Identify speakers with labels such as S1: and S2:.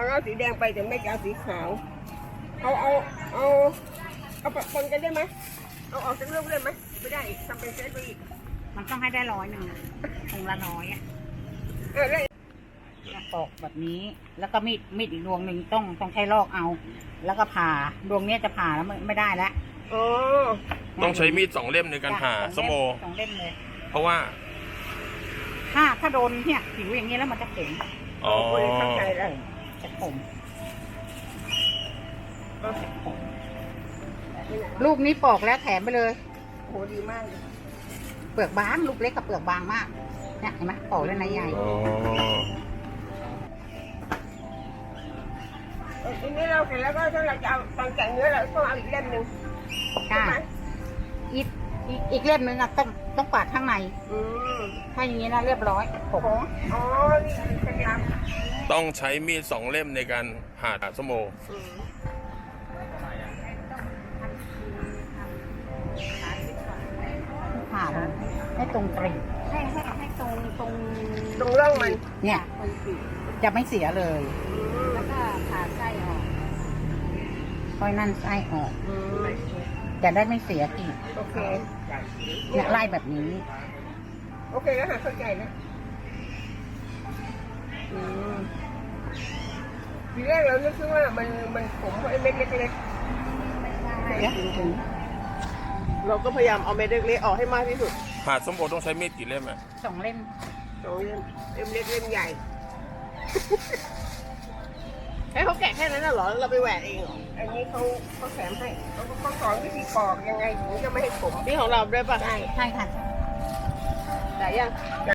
S1: เอาสีแดงไปแต่ไม่เอาสีขาวเอาปะปนกันได้ไหมเอาออกจากลูกได้ไหมไม่ได้อีกทำเป็นเซตไปอีก
S2: มันต้องให้ได้100อะถุงละ100อ่ะ
S1: ได้
S2: ปอกแบบนี้ แล้วก็มีดอีกดวงหนึ่งต้องใช้ลอกเอา แล้วก็ผ่าดวงเนี้ยจะผ่าแล้วไม่ได้แล้ว
S1: อ๋อ
S3: ต้องใช้มีด2 เล่มในการผ่าสมโอ
S2: สองเล่มเลย
S3: เพราะว่า
S2: ถ้าโดนเนี่ยผิวอย่างนี้แล้วมันจะเข็ม
S3: อ๋อ
S1: โอ้ยเข้าใจแล้ว
S2: จะขมลูกนี้ปอกแล้วแถมไปเลย
S1: โหดีมากเลย
S2: เปลือกบางลูกเล็กกับเปลือกบางมากเนี่ยเห็นไหมปอกแล้วในใหญ่
S3: อ๋อ
S1: ทีนี้เราเสร็จแล้วก็ถ้าเราจะเอาตอนแกะเนื้อเราต้องเอาอีกเล่มหนึ่งใช่ไหม
S2: อีกเล่มนึงอ่ะต้องปาดข้างใน
S1: อืม
S2: ถ้าอย่างนี้นะเรียบร้อยผม
S1: อ๋อนี่เคล็ดลับ
S3: ต้องใช้มีด2 เล่มในการผ่าสมโอ
S1: อืม
S2: ผ่าเลยให้ตรงกรีบ
S4: ให้ตรง
S1: ตรงร่องมัน
S2: เนี่ย
S4: ตรงปีก
S2: จะไม่เสียเลย
S4: แล้วก็ผ่าไส้ออก
S2: ค่อยนั่นไส้ออก
S1: อืม
S2: จะได้ไม่เสียกรีบ
S1: โอเค
S2: เนี่ยไล่แบบนี้
S1: โอเคแล้วค่ะเข้าใจแล้วอืมทีแรกเรานึกว่ามันขมเพราะไอ้เม็ดเล็ก
S2: เนี่ย
S5: เราก็พยายามเอาเม็ดเล็กๆออกให้มากที่สุด
S3: ผ่าสมโอต้องใช้มีดกี่เล่มอ่ะ
S2: 2 เล่ม
S1: ๆ2 เล่มเล็กเล่มใหญ่
S5: ให้เขาแกะแค่นั้นน่ะเหรอแล้วเราไปแหวกเองเหรอ
S1: อันนี้เขาแถมให้เขาสอนวิธีปอกยังไงถึงจะไม่ให้ขม
S5: นี่ของเราด้วยป่ะ
S1: ได้
S2: ใช่ค่ะ
S5: แต่ยัง